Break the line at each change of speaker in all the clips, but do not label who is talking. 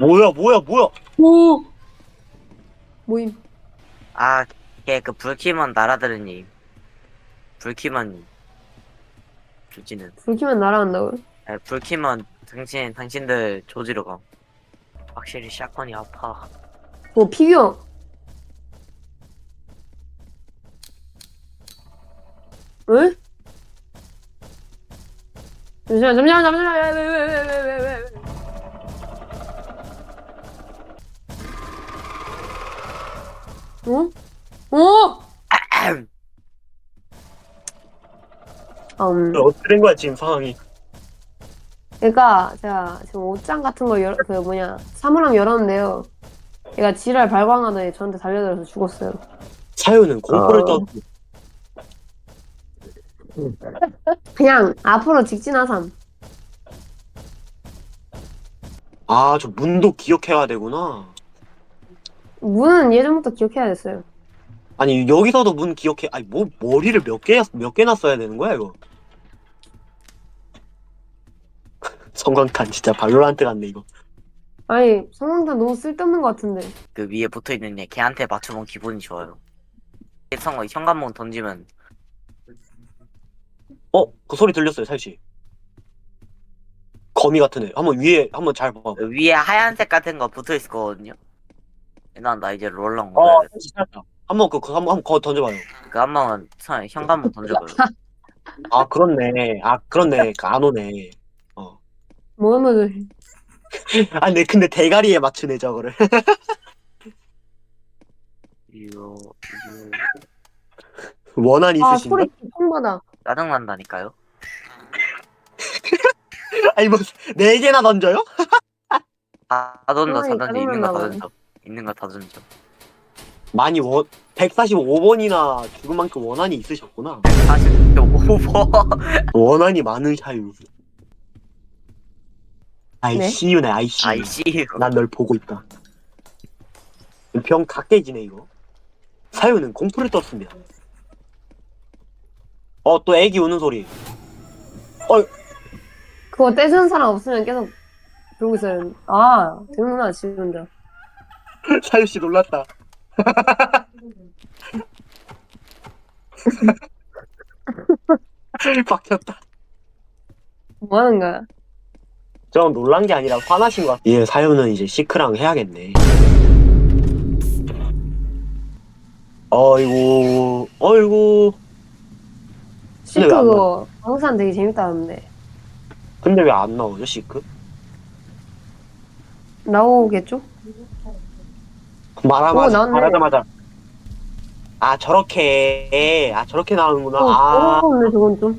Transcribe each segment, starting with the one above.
뭐야.
오! 모임.
아, 걔 그 불키면 날아들으니. 불키면 조지는.
불키면 날아간다고요?
불키면 당신들 조지로 가. 확실히 샷건이 아파.
뭐, 피규어. 응? 잠시만. 왜. 어? 어?
어떻게 된 거야, 지금 상황이?
그러니까 제가 지금 옷장 같은 걸 사물함 열었는데요. 얘가 지랄 발광하더니 저한테 달려들어서 죽었어요.
사유는 공포를
어.
떠.
그냥 앞으로 직진하삼.
아, 저 문도 기억해야 되구나.
문은 예전부터 기억해야 됐어요.
아니, 여기서도 문 기억해. 아니, 뭐, 머리를 몇 개나 써야 되는 거야, 이거? 성광탄 진짜 발로란트 같네, 이거.
아니, 성광탄 너무 쓸데없는 것 같은데.
그 위에 붙어있는 애 걔한테 맞춰본 기분이 좋아요. 현관문 던지면
그 소리 들렸어요, 살씨. 거미 같은 애. 한번 위에, 한번 잘 봐봐.
그 위에 하얀색 같은 거 붙어있을 거거든요. 나 이제 롤랑 얻어야겠다.
살씨 살짝. 한번 그거 던져봐요.
그 한 번만 현관문 던져봐요.
아, 그렇네. 안 오네. 어.
뭐는
아니, 근데 대가리에 맞추네, 저거를.
이거
원한이 있으신가?
소리 통받아.
짜증난다니까요.
아니, 뭐, 네 개나 던져요?
다 던져, 다
상황이
던져, 있는 거 다
짜증난다고요.
던져. 있는 거 다 던져.
많이 145번이나 죽은 만큼 원한이 있으셨구나.
45번.
원한이 많은 샤유.
네?
ICU네, ICU.
아이씨.
난 널 보고 있다. 병 다 깨지네, 이거. 사유는 공포를 떴습니다. 또 애기 우는 소리.
그거 떼주는 사람 없으면 계속 그러고 있어요. 아, 되는구나, 지금 혼자.
사유씨 놀랐다. 박혔다.
뭐 하는 거야?
저 놀란 게 아니라 화나신 것 같아. 예, 사유는 이제 시크랑 해야겠네. 어이구.
시크
왜 안
그거 방산 되게 재밌다는데.
근데 왜 안 나오죠, 시크?
나오겠죠? 나왔네.
말하자마자. 저렇게 나오는구나.
더러운데, 저건 좀.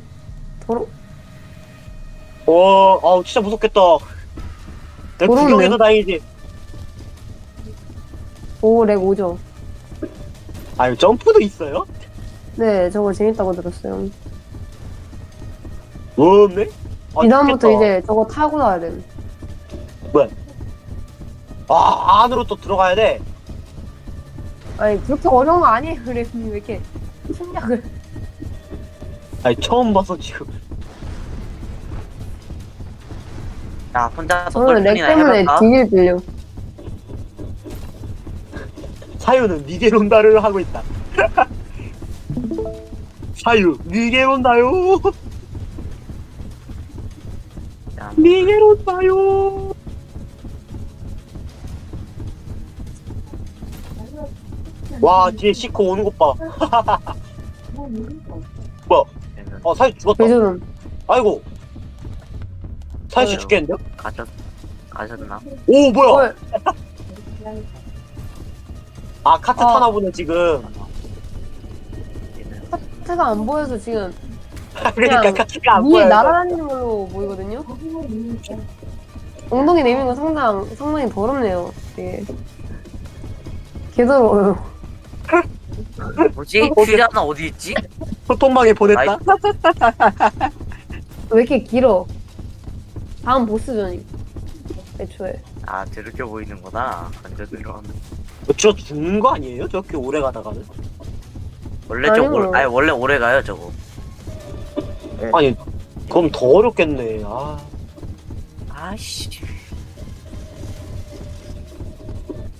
진짜 무섭겠다. 내
더러운데요?
구경해서 다행이지.
오, 렉 오죠?
아유, 점프도 있어요?
네, 저거 재밌다고 들었어요.
없네?
이 다음부터
좋겠다.
이제 저거 타고 나야 돼.
안으로 또 들어가야 돼.
아니, 그렇게 어려운 거 아니에요, 그래님. 왜 이렇게 심리학을.
아니, 처음 봐서 지금.
야, 혼자서
저는 렉
돌핀이나
때문에
해볼까?
뒤질 빌려.
사유는 니게론다를 하고 있다. 사유, 니게론다요.
야,
니게론다요. 와, 뒤에 시코 오는 것 봐. 뭐야?
얘는
사유 죽었다.
왜 저런.
아이고. 사유 씨
왜요?
죽겠는데요?
가셨나?
오, 뭐야?
헐.
카트 타나 보네, 지금.
얘는
카트가 안 보여서 지금
그러니까
그냥
카트가 안
위에
보여요.
날아다니는 걸로 보이거든요? 엉덩이 내미는 거 상당히 더럽네요. 되게. 개더러워요.
뭐지? 퓨자는 어디 있지?
소통방에 보냈다.
아이.
왜 이렇게 길어? 다음 보스전이. 애초에.
아, 저렇게 보이는구나. 완전 들어가면.
저 죽는 거 아니에요? 저렇게 오래 가다가는?
원래
아니요.
원래 오래 가요, 저거.
아니, 그럼 더 어렵겠네.
아이씨.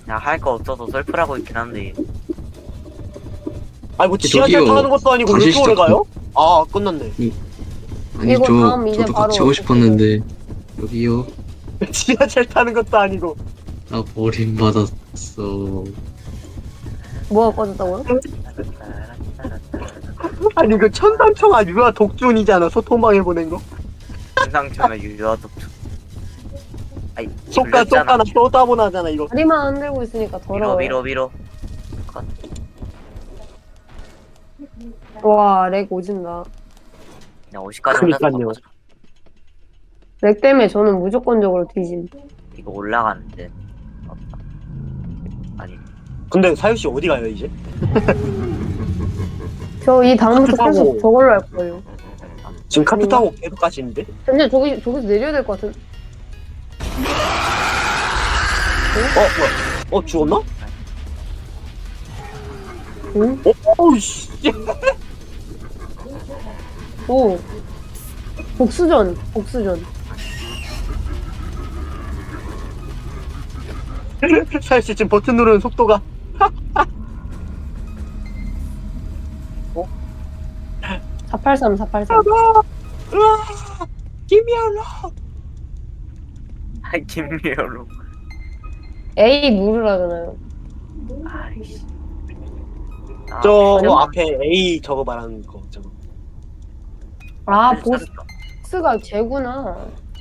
야, 할 거 없어서 설프라고 있긴 한데.
아니 뭐 지하철
저기요,
타는 것도 아니고 왜
다시
이렇게 오래
시작.
가요? 아 끝났네.
아니
이거 다음 이제
저도 같이
바로
하고 싶었는데 여기요.
지하철 타는 것도 아니고.
나 버림받았어.
뭐가 꺼졌다고요?
아니 그 천상청아 유아 독준이잖아 소통방에 보낸 거.
상상처럼 유효하도. 아이,
속가
걸렸잖아.
나 쏟아보나잖아 이거.
다리만 흔들고 있으니까
밀어,
더러워요.
밀어, 밀어.
와, 렉 오진다.
야, 50까지 혼자서
그러니까요.
바꿔줘.
렉 때문에 저는 무조건적으로 뒤짐.
이거 올라가는데. 없다. 아니,
근데 사유 씨 어디 가요 이제?
저 이 다음부터
타고.
계속 저걸로 할 거예요.
지금 카트 타고 계속 가시는데?
근데 저기서 내려야 될 것 같은.
뭐야? 죽었나?
응?
어우씨.
오. 복수전.
사유 씨 지금 버튼 누르는 속도가.
483.
으아! 김이야로.
아이, 김미호로.
A 누르라잖아요.
아이씨. 아,
저거
그냥
앞에 A 저거 말하는 거 저거.
아,
그래, 찾았다.
보스가 쟤구나.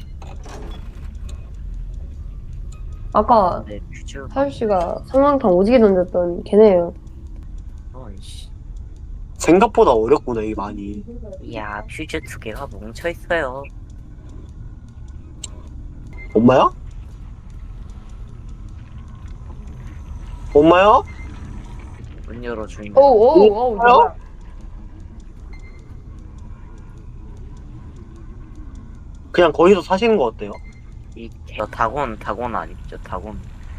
아까
네, 퓨즈.
사유 씨가 성광탄 오지게 던졌던 걔네예요.
어이씨.
생각보다 어렵구나 이게 많이.
이야, 퓨즈 2개가 뭉쳐있어요.
엄마야? 엄마야?
문 열어주인.
오오오
뭐야? 그냥 거기서 사시는 거 어때요?
저 다곤 아니죠, 다곤.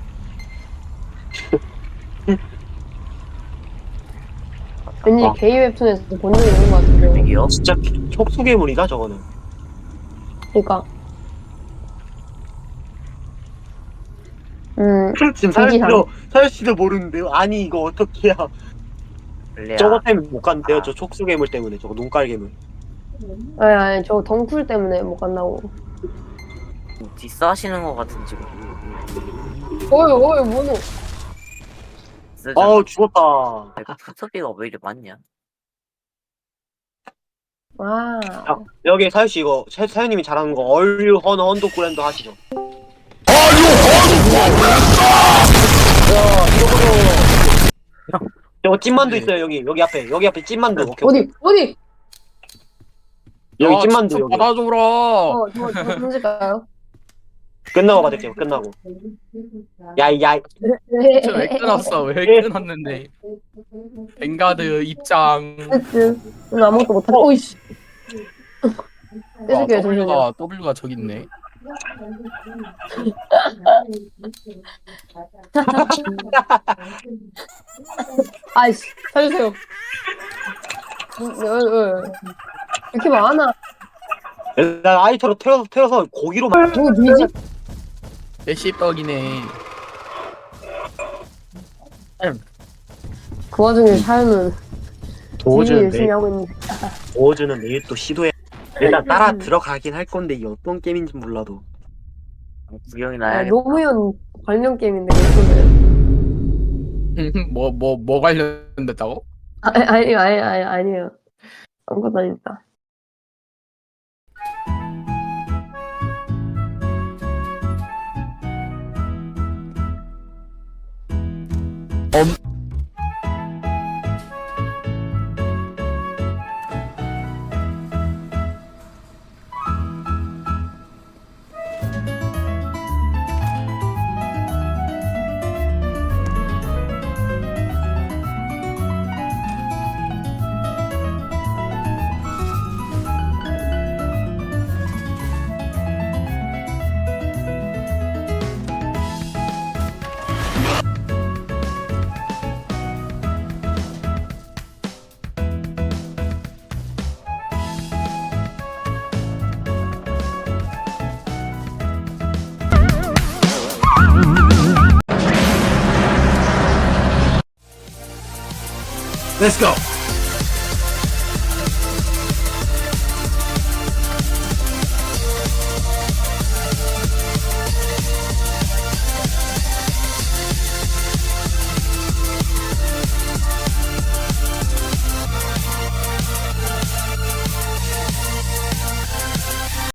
왠지
아.
게이 웹툰에서 본 적이 있는 것 같은데.
여기요?
진짜 촉수괴물이다 저거는.
그러니까.
지금
고기향.
사유 씨도 모르는데요? 아니 이거 어떻게 해야?
원래
저거 때문에 못 간대요.
아.
저 촉수괴물 때문에 저거 눈깔괴물.
아니 저 덩쿨 때문에 못 간다고.
뒷싸하시는 것 같은 지금.
어이 뭐노.
아우 죽었다.
푸트비가 왜 이리 많냐?
아
자, 여기 사유 씨 이거 사유님이 잘하는 거 얼류 헌도 그랜드 하시죠. 저거 찐만두 있어요 여기 앞에 찐만두. 오케이.
어디
여기 찐만두 여기.
받아줘라.
저 던질까요?
끝나고 받을게요. 끝나고. 야야.
왜 끊었어? 왜 끊었는데? 뱅가드 입장.
오늘 아무것도 못하네. 오이씨. 떼줄게요 잠시만요.
W가 저기 있네.
아이씨 살려주세요. 이렇게 많아.
일단 아이터로 태워서 고기로 만.
누구 뒤지?
메시떡이네.
그 와중에 사연은 되게 열심히
도어즈는
하고 있는데.
도어즈는 내일 또 시도해. 일단 따라 들어가긴 할 건데 이게 어떤 게임인지 몰라도.
구경이
아,
나야겠다.
노무현 관련 게임인데 이거는.
뭐 관련됐다고?
아니에요. 아무것도 아닙니다.
Let's go.